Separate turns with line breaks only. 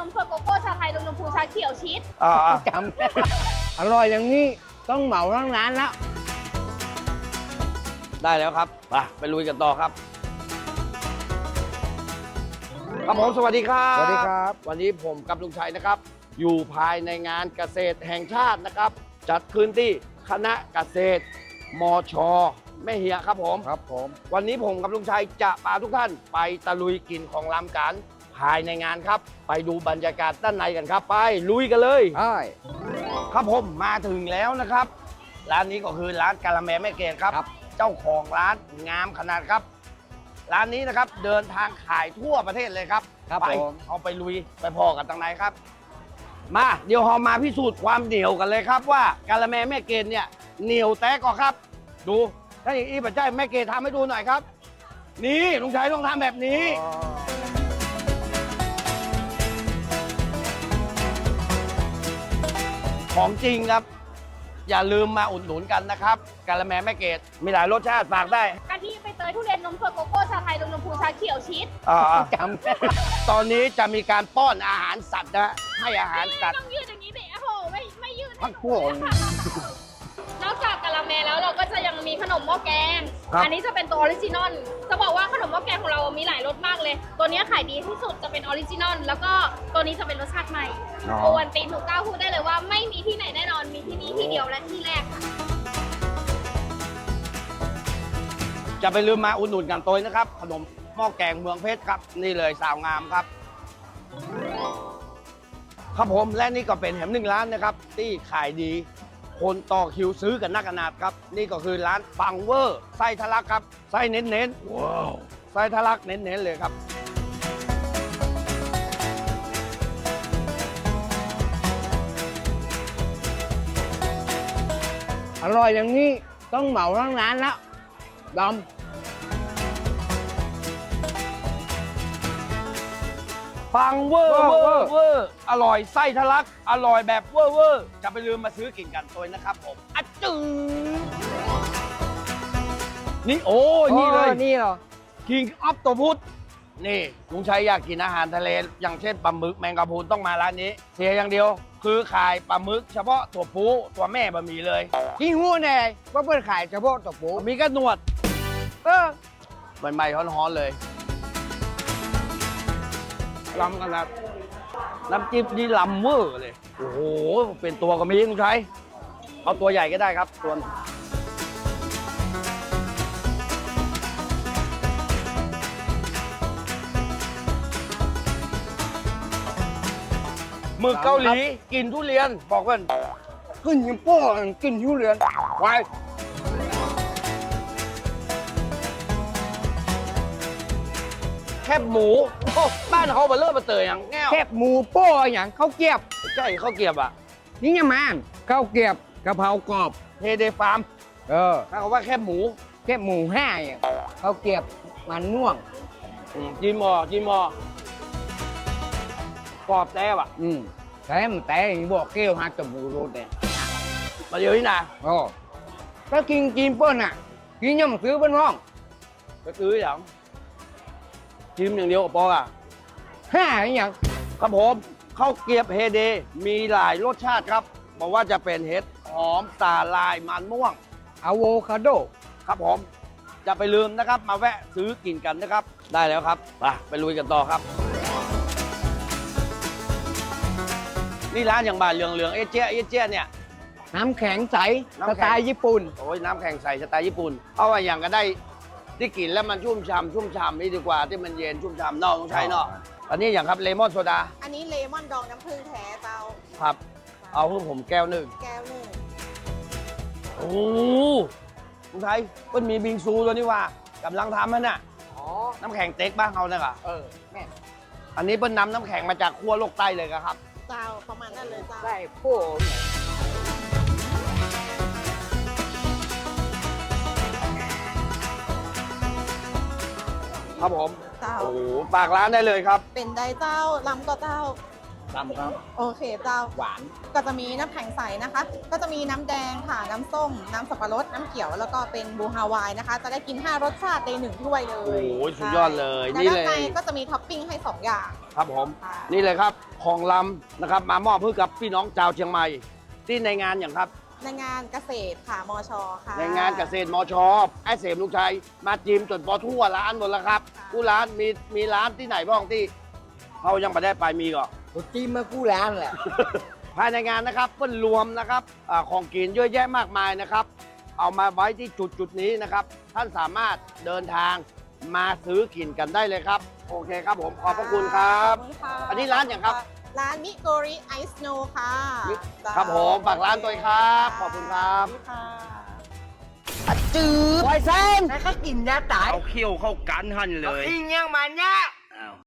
มสดโกโก้ชาไทยนมพูชาเขียวชีส
จำ อร่อยอย่างนี้ต้องเหมาทั้งร้านแล้ว
ได้แล้วครับไปลุยกันต่อครับครับผมสวัสดีครับ
สวัสดีครับ
วันนี้ผมกับลุงชัยนะครับ อยู่ภายในงานเกษตรแห่งชาตินะครับ จัดขึ้นที่คณะเกษตรมชแม่เหียครับผม
ครับผม
วันนี้ผมกับลุงชัยจะพาทุกท่านไปตะลุยกินของลำกันภายในงานครับ ไปดูบรรยากาศด้านในกันครับ ไปลุยกันเลย
ใช่
ครับผมมาถึงแล้วนะครับ ร้านนี้ก็คือร้านกะละแมแม่เกดครับ เจ้าของร้านงามขนาดครับ ร้านนี้นะครับเดินทางขายทั่วประเทศเลยครับ
ครับ
ไป
ผม
เอาไปลุยไปพอกันทางไหนครับ มาเดี๋ยวเรามาพิสูจน์ความเหนียวกันเลยครับ ว่ากะละแมแม่เกดเนี่ยเหนียวแตกก่อครับ ดูถ้าอย่างนี้ปัจจัยแม่เกดทำให้ดูหน่อยครับ นี่ลุงชัยต้องทำแบบนี้ ของจริงครับ อย่าลืมมาอุดหนุนกันนะครับกะละแมแม่เกดมีหลายรสชาติฝากได้
กะทิใบเตยทุเรียนนมสดโกโก้ชาไทยนมพูชาเขียวชีส
จ
ตอนนี้จะมีการป้อนอาหารสัตว์นะให้อาหารสัตว์
ต้องยืดอย่างนี้สิโอ้โหไม่ยืด
ำพักพวก
นอกจากกะละแมแล้วเราก็จะยังมีขนมหม้อแกง
ครับ
อันนี้จะเป็นตัวออริจินอลจะบอกว่าขนมหม้อแกงของเรามีหลายรสมากเลย ตัวนี้ขายดีที่สุดจะเป็นออริจินอลแล้วก็ตัวนี้จะเป็นรสชาติใหม่โอวันตีนถูกกล้าพูดได้เลยว่าไม่มีที่ไหนแน่นอนมีที่นี่ที่เดียวและที่แรกค่ะ
จะไปลืมมาอุดหนุนกันตัวนะครับ ขนมหม้อแกงเมืองเพชรครับ นี่เลยสาวงามครับ ครับผมและนี่ก็เป็นแหมหนึ่งร้านนะครับ ที่ขายดี คนต่อคิวซื้อกันนักขนาดครับ นี่ก็คือร้านปังเวอร์ไส้ทะลักครับไส้เน้นๆว้าวไส้ทะลักเน้นๆเลยครับ
อร่อยอย่างนี้ต้องเหมาทั้งร้านแล้วด
ปังเวอร์
เว
เว
อ
อ
ร์
ร์เวอร์อร่อยไส้ทะลัก อร่อยแบบเวอร์เวอร์จะไปลืมมาซื้อกินกันตัวนะครับผมอะจือนี่โอ้
ำ
นี่เลย
นี่เหรอ
King of ตัวพุธนี่ลุงชัยอยากกินอาหารทะเลอย่างเช่นปลาหมึกแมงกะพรุนต้องมาร้านนี้ เสียอย่างเดียว คือขายปลาหมึกเฉพาะตัวปูตัวแม่บะหมี่เลย
ที่หู้แน่ว่าเปิดขายเฉพาะตัวปู
มีกระหนวด
เออ
ใหม่ๆฮ้อนๆเลยล้ำขนาดน้ำจิ้มนี่ล้ำเวอร์เลย โอ้โห เป็นตัวก็มีลุงชัยเอาตัวใหญ่ก็ได้ครับตัวหมึกเกาหลีกินทุเรียนบอกกัน
ขึ้นยังโป้กินทุเรียนไว้
แคบหมูโอ้บ้านเขาเบลเลอร์มาเตยอย่างแง่ว
แคบหมูโป้อย่างข้าวเกรียบ
ใช่ข้าวเกรียบอ่ะ
นี่ยังมันข้าวเกรียบกะเพรากรอบ
เฮเดฟาร์ม
เออ
ถ้าเขาว่าแคบหมู
แคบหมูห้าอย่างข้าวเกรียบมันม่วง
จีมอกรอบแต้วอ่ะ
แต่มันแต่ยังบอกเกลียวหักจมูกโรดเนี่ย
มาเดี๋ยวนี้นะ
โอ้ถ้ากินกินเปิ้ลน่ะกินยังซื้อเปิ้ลห้อง
ก็ซื้ออย่างจิ้มอย่างเดียวกับปออ่ะ
ห้าอย่าง
ครับผมข้าวเกรียบเฮเดมีหลายรสชาติครับบอกว่าจะเป็นเห็ดหอมสาลายมันม่วง
อะโวคาโด
ครับผมจะไปลืมนะครับ มาแวะซื้อกินกันนะครับ ได้แล้วครับไปลุยกันต่อครับ นี่ร้านอย่างบ้านเหลืองๆเอเจ๊เนี่ย
น้ำแข็งใส
น้ำ
ส
แข็ง
ไตล์ญี่ปุ่น
โอ้ยน้ำแข็งใสสไตล์ญี่ปุ่นเอาว่าอย่างก็ได้ที่กินแล้วมันชุ่มฉ่ำนี่ดีกว่าที่มันเย็นชุ่มฉ่ำนอกต้องใช้นอกอันนี้อย่างครับเลมอนโซดา
อันนี้เลมอนดองน้ำผึ้งแท้เตา
ครับ เอาให้ผมแก้วหนึ่ง
แก้วหนึ่ง
โอ้ลุงไทยเพิ่นมีบิงซูตัวนี้ว่ากำลังทำมันน่ะ
อ๋อ
น้ำแข็งเต็กบ้างเขาเนี่ยค่ะ
แม่
อันนี้เพิ่นนำน้ำแข็งมาจากขั้วโลกใต้เลยครับ
เตาประมาณนั้นเลยเตา
ได้พวก
ครับผม
เตา
โอ้โหฝากร้านได้เลยครับ
เป็นไดเต้าลำก็เต้า
ตำครับ
โอเคเต้า
หวาน
ก็จะมีน้ำแข็งใสนะคะ ก็จะมีน้ำแดงค่ะ น้ำส้ม น้ำสับปะรด น้ำเขียว แล้วก็เป็นบูฮาวายนะคะ จะได้กิน 5 รสชาติใน1 ถ้วยเลย
โอ้โหสุดยอดเลย
และ
นี่
ด้าน
เลย
ในก็จะมีท็อปปิ้งให้ 2 อย่าง
ครับผม
ค่ะ
นี่เลยครับของลำนะครับ มามอบให้กับพี่น้องชาวเชียงใหม่ ที่ในงานอย่างครับ
ในงานเกษตรค่ะมชค่ะ
ในงานเกษตรมชไอ้เสมลูกชายมาจิมจนพอทั่วร้านหมดแล้วครับกูร้านมีร้านที่ไหนบ้างที่เขายังไม่ได้ไปมีก่อน
กูจิ้มมากู้ร้านแหละ
ภายในงานนะครับเพิ่นรวมนะครับของกินเยอะแยะมากมายนะครับ เอามาไว้ที่จุดนี้นะครับ ท่านสามารถเดินทางมาซื้อกินกันได้เลยครับ โอเคครับผมขอบพระคุณครับ
ขอบคุณค่ะ
อันนี้ร้านอย่างครับ
ร้านมิโกริไอซ์โนค่ะ
ครับผมฝากร้านตัวเองครับขอบคุณครับ
สวัสดีค่ะ
จืดไวเซน
แล้วก็กินยาตาย
เอาเขี้ยวเข้ากันหันเลย
อิงยังมันเนี่ย